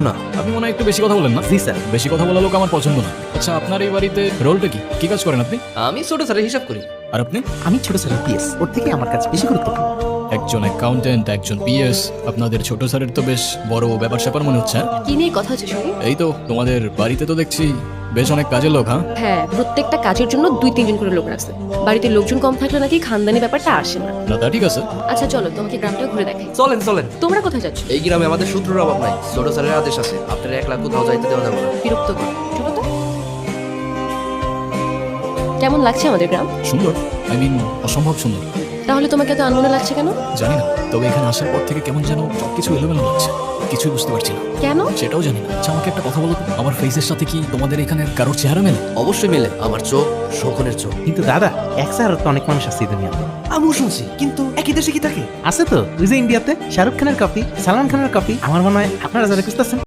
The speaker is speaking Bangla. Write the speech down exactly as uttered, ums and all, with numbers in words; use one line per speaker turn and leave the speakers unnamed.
না।
আপনি মনে হয় একটু বেশি কথা বলেন না?
জি স্যার।
বেশি কথা বলা লোক আমার পছন্দ না। আচ্ছা, আপনার এই বাড়িতে রোলটা কি? কি কাজ করেন আপনি?
আমি ছোট স্যারের হিসাব করি।
আর আপনি?
আমি ছোট স্যারের পিএস, ওর থেকে আমার কাছে বেশি গুরুত্বপূর্ণ।
একজন অ্যাকাউন্টেন্ট, একজন পিএস। আপনাদের ছোট স্যারের তো বেশ বড় ব্যাপার স্যাপার মনে হচ্ছে। হ্যাঁ?
কি নিয়ে কথা হচ্ছে শুনি?
এই তো তোমাদের বাড়িতে তো দেখছি বেশ অনেক কাজের লোক। হ্যাঁ,
হ্যাঁ, প্রত্যেকটা কাজের জন্য দুই তিনজন করে লোক রাখছে। বাড়িতে লোকজন কম থাকলে নাকি খানদানি ব্যাপারটা আসে না।
না তা ঠিক আছে।
আচ্ছা চলো, তোমাকে গ্রামটা ঘুরে দেখাই।
চলেন চলেন।
তোমরা কোথায় যাচ্ছ?
এই গ্রামে আমাদের শত্রুর অভাব নাই। ছোট স্যারের আদেশ আছে, আপনার এক লাখ কোথাও যাইতে দেওয়া যাবে না।
বিরক্ত কর, চলো তো। কেমন লাগছে আমাদের গ্রাম?
সুন্দর, আই মিন অসম্ভব সুন্দর।
তাহলে তোমাকে এত আনমনে লাগছে কেন?
জানি না, তবে এখানে আসার পর থেকে কেমন যেন সবকিছু এলোমেলো লাগছে। কিছুই বুঝতে পারছি না।
কেন?
সেটাও জানি না। আচ্ছা, আমাকে একটা কথা বলো তো, আমার ফেসের সাথে কি তোমাদের এখানে কারোর চেহারা মেলে?
অবশ্যই মিলে। আমার চোখ শোকনের চোখ।
কিন্তু দাদা, এক স্যার তো অনেক মানুষ আছে এই দুনিয়াতে।
আমিও শুনছি, কিন্তু একই দেশে কি থাকে?
আছে তো, ওই যে ইন্ডিয়াতে শাহরুখ খানের কপি, সালমান খানের কপি। আমার মনে হয় আপনারা যারা খুঁজতেছেন